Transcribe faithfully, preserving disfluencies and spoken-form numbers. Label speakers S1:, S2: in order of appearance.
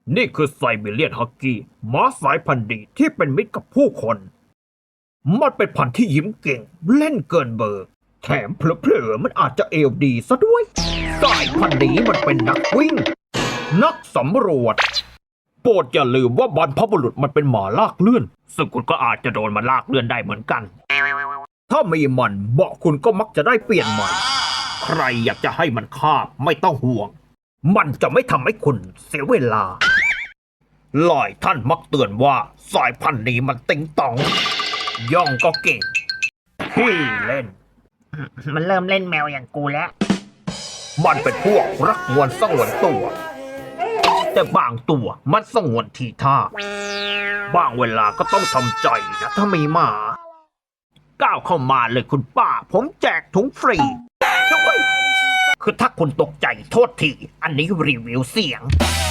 S1: นี่คือไซบีเรียนฮักกี้หมาสายพันธุ์ดีที่เป็นมิตรกับผู้คน มันเป็นพันธุ์ที่ยิ้มเก่งเล่นเกินเบอร์ แถมเผลอๆมันอาจจะเอวดีซะด้วย สายพันธุ์นี้มันเป็นนักวิ่ง นักสำรวจ โปรดอย่าลืมว่าบรรพบุรุษมันเป็นหมาลากเลื่อน ซึ่งคุณก็อาจจะโดนมันลากเลื่อนได้เหมือนกัน ถ้ามีมันเบาะคุณก็มักจะได้เปลี่ยนใหม่ ใครอยากจะให้มันคาบไม่ต้องห่วง มันจะไม่ทำให้คุณเสียเวลา หลายท่านมักเตือนว่าสายพันธุ์นี้มันติงตอง ย่องก็เก่งขี้เล่น
S2: มันเริ่มเล่นแมวอย่างกูแล้ว
S1: มันเป็นพวกรักงวนสงวนตัว แต่บางตัวมันสงวนทีท่า บางเวลาก็ต้องทำใจนะถ้ามีหมา ก้าวเข้ามาเลยคุณป้า ผมแจกถุงฟรีด้วยคือถ้าคุณตกใจโทษที อันนี้รีวิวเสียง